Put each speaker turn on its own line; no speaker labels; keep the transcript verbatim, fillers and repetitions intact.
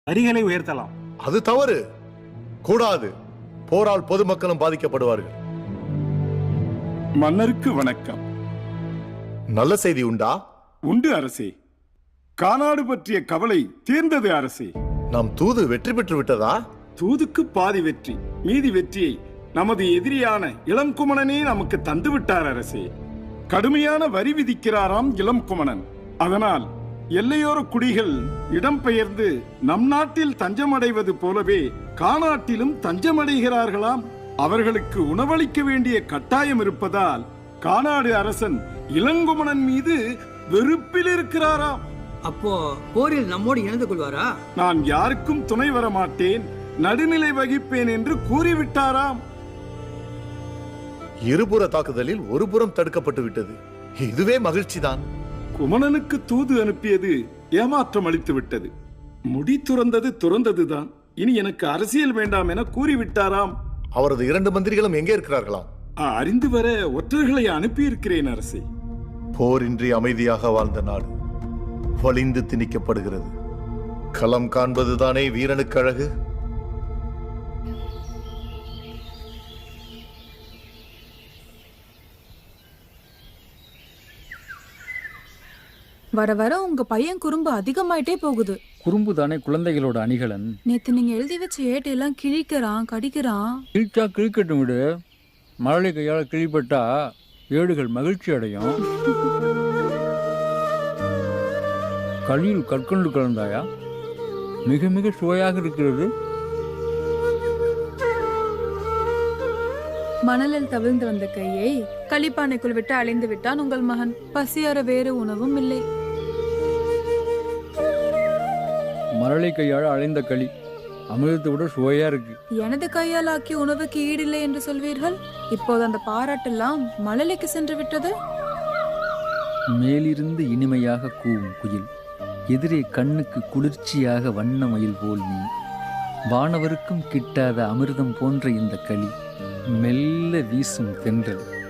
வரிகளை உயர்த்தலாம்.
அது தவறு, கூடாது. போரால் பொதுமக்களும் பாதிக்கப்படுவார்கள்.
மன்னருக்கு வணக்கம்.
நல்ல செய்தி உண்டா?
உண்டு அரசே. கானாடு பற்றிய கவலை தீர்ந்தது அரசே.
நாம் தூது வெற்றி பெற்று விட்டதா?
தூதுக்கு பாதி வெற்றி, மீதி வெற்றியை நமது எதிரியான இளங்குமணனே நமக்கு தந்து விட்டார் அரசே. கடுமையான வரி விதிக்கிறாராம் இளங்குமணன். அதனால் எல்லையோர குடிகள் இடம்பெயர்ந்து நம் நாட்டில் தஞ்சமடைவது போலவே கானாட்டிலும் தஞ்சமடைகிறார்களாம். அவர்களுக்கு உணவளிக்க வேண்டிய கட்டாயம் இருப்பதால் கானாடு அரசன் இளங்குமணன் மீது வெறுப்பில் இருக்கிறாராம்.
அப்போ போரில் நம்மோடு இணைந்து கொள்வாரா?
நான் யாருக்கும் துணை வர மாட்டேன், நடுநிலை வகிப்பேன் என்று கூறிவிட்டாராம்.
இருபுற தாக்குதலில் ஒரு புறம் தடுக்கப்பட்டு விட்டது. இதுவே மகிழ்ச்சிதான்.
குமணனுக்கு தூது அனுப்பியது ஏமாற்றம் அளித்து விட்டது. முடி துறந்தது துறந்ததுதான். இனி எனக்கு அரசியல் வேண்டாம் என கூறிவிட்டாராம்.
அவரது இரண்டு மந்திரிகளும் எங்கே இருக்கிறார்களாம்?
அறிந்து வர ஒற்றர்களை அனுப்பியிருக்கிறேன் அரசே.
போரின்றி அமைதியாக வாழ்ந்த நாடு வலிந்து திணிக்கப்படுகிறது. களம் காண்பதுதானே வீரனுக்கு அழகு.
வர வர உங்க பையன் குறும்பு அதிகமாயிட்டே போகுது.
குறும்பு தானே குழந்தைகளோட அணிகலன்.
நேத்து நீங்க எழுதி வச்ச ஏட்டையெல்லாம் கிழிக்கிறான், கடிக்கிறான்.
கிழிச்சா கிழிக்கட்டும் விடு. மழலை கையால் கிழிப்பட்டா ஏடுகள் மகிழ்ச்சி அடையும். களியில் கற்கொண்டு கலந்தாயா? மிக மிக சுவையாக இருக்கிறது.
மணலில் தவிழ்ந்து வந்த கையை களிப்பானைக்குள் விட்டு அலைந்து விட்டான் உங்கள் மகன். பசியார வேறு உணவும் இல்லை.
மழலை கையால் அலைந்த களி அமிர்தத்தை விட சுவையா இருக்கு.
எனது கையால் ஆக்கிய உணவுக்கு ஈடில்லை என்று சொல்வீர்கள். இப்போது அந்த பாராட்டெல்லாம் மழலைக்கு சென்று விட்டது.
மேலிருந்து இனிமையாக கூவும் குயில், எதிரே கண்ணுக்கு குளிர்ச்சியாக வண்ண மயில் போல் நீ. வானவருக்கும் கிட்டாத அமிர்தம் போன்ற இந்த களி, மெல்ல வீசும் தென்றல்,